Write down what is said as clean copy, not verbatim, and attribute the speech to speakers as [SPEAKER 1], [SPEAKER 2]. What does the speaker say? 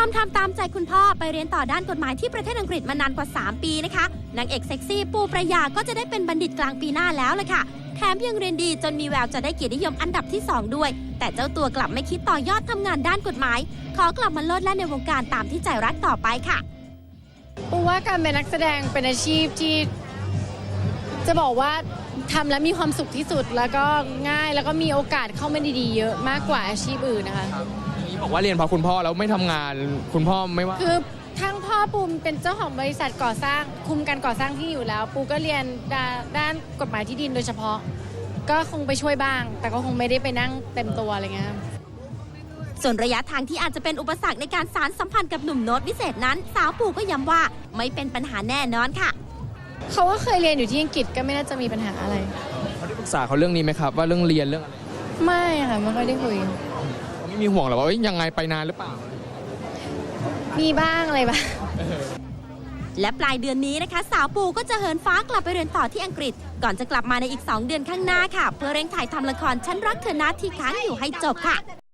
[SPEAKER 1] อมทำตามใจคุณพ่อไปเรียนต่อด้านกฎหมายที่ประเทศอังกฤษมานานกว่า3 ปีนะคะนางเอกเซ็กซี่ปูประยาก็จะได้เป็นบัณฑิตกลางปีหน้าแล้วเลยค่ะแถมยังเรียนดีจนมีแววจะได้เกียรตินิยมอันดับที่2ด้วยแต่เจ้าตัวกลับไม่คิดต่อยอดทำงานด้านกฎหมายขอกลับมาโลดแล่นในวงการตามที่ใจรักต่อไปค่ะ
[SPEAKER 2] ปูว่าการเป็นนักแสดงเป็นอาชีพที่จะบอกว่าทำแล้วมีความสุขที่สุดแล้วก็ง่ายแล้วก็มีโอกาสเข้ามาดีๆเยอะมากกว่าอาชีพอื่นนะคะ
[SPEAKER 3] นี่บอกว่าเรียนเพราะคุณพ่อแล้วไม่ทำงานคุณพ่อไม่ว่า
[SPEAKER 2] คือทั้งพ่อปูเป็นเจ้าของบริษัทก่อสร้างคุมการก่อสร้างที่อยู่แล้วปูก็เรียนด้านกฎหมายที่ดินโดยเฉพาะก็คงไปช่วยบ้างแต่ก็คงไม่ได้ไปนั่งเต็มตัวอะไรเงี้ย
[SPEAKER 1] ส่วนระยะทางที่อาจจะเป็นอุปสรรคในการสานสัมพันธ์กับหนุ่มโน้ตวิเศษนั้นสาวปูก็ย้ำว่าไม่เป็นปัญหาแน่นอนค่ะ
[SPEAKER 2] เขาก็เคยเรียนอยู่ที่อังกฤษก็ไม่น่าจะมีปัญหาอะไร
[SPEAKER 3] เขาได้ปรึกษาเขาเรื่องนี้ไหมครับว่าเรื่องเรียนเรื่องอะไร
[SPEAKER 2] ไม่ค่ะไม่ค่อยได้คุย
[SPEAKER 3] เขาไม่มีห่วงหรอว่ายังไงไปนานหรือเปล่า
[SPEAKER 2] มีบ้างอะไรบ้าง
[SPEAKER 1] และปลายเดือนนี้นะคะสาวปูก็จะเหินฟ้ากลับไปเรียนต่อที่อังกฤษก่อนจะกลับมาในอีก2 เดือนข้างหน้าค่ะเพื่อเร่งถ่ายทำละครฉันรักเธอนะที่ค้างอยู่ให้จบค่ะ